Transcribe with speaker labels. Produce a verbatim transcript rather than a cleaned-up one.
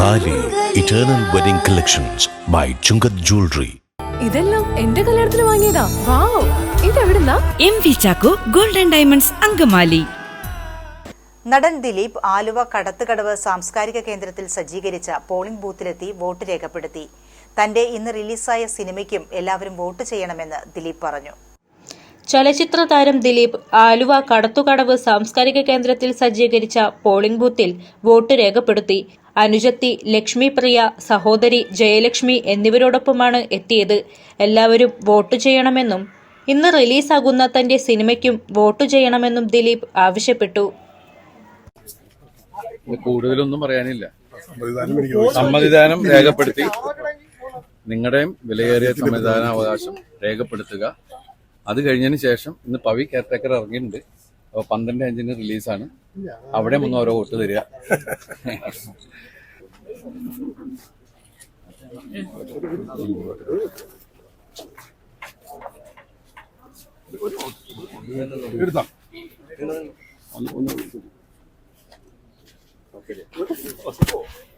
Speaker 1: താലി eternal wedding collections by Chungath jewellery.
Speaker 2: ഇതെല്ലാം എന്റെ കല്യാണത്തിന് വാങ്ങിയതാ. വാവ്, ഇതെവിടുന്നാ?
Speaker 3: M V Chacko golden diamonds Angamaly.
Speaker 4: നടൻ ദിലീപ് ആലുവ കടത്തുകടവ് സാംസ്കാരിക കേന്ദ്രത്തിൽ സജ്ജീകരിച്ച പോളിംഗ് ബൂത്തിലെത്തി വോട്ട് രേഖപ്പെടുത്തി. തന്റെ ഇന്ന് റിലീസായ സിനിമയ്ക്കും എല്ലാവരും വോട്ട് ചെയ്യണമെന്ന് ദിലീപ് പറഞ്ഞു.
Speaker 5: ചലച്ചിത്ര താരം ദിലീപ് ആലുവ കടത്തുകടവ് സാംസ്കാരിക കേന്ദ്രത്തിൽ സജ്ജീകരിച്ച പോളിംഗ് ബൂത്തിൽ വോട്ട് രേഖപ്പെടുത്തി. അനുജത്തി ലക്ഷ്മി പ്രിയ, സഹോദരി ജയലക്ഷ്മി എന്നിവരോടൊപ്പമാണ് എത്തിയത്. എല്ലാവരും വോട്ട് ചെയ്യണമെന്നും ഇന്ന് റിലീസാകുന്ന തന്റെ സിനിമയ്ക്കും വോട്ട് ചെയ്യണമെന്നും ദിലീപ് ആവശ്യപ്പെട്ടു.
Speaker 6: കൂടുതലൊന്നും പറയാനില്ല. സമ്മതിദാനം രേഖപ്പെടുത്തി, നിങ്ങളുടെയും വിലയേറിയ സമ്മതിദാനാവകാശം രേഖപ്പെടുത്തുക. അത് കഴിഞ്ഞതിന് ശേഷം ഇന്ന് പവി കെയർടേക്കർ ഇറങ്ങിയിട്ടുണ്ട്. അപ്പോൾ പന്ത്രണ്ട് അഞ്ചിന് റിലീസാണ്. അവിടെ ഒന്ന് ഓരോ വോട്ട് തരിക.
Speaker 7: എടുത്താ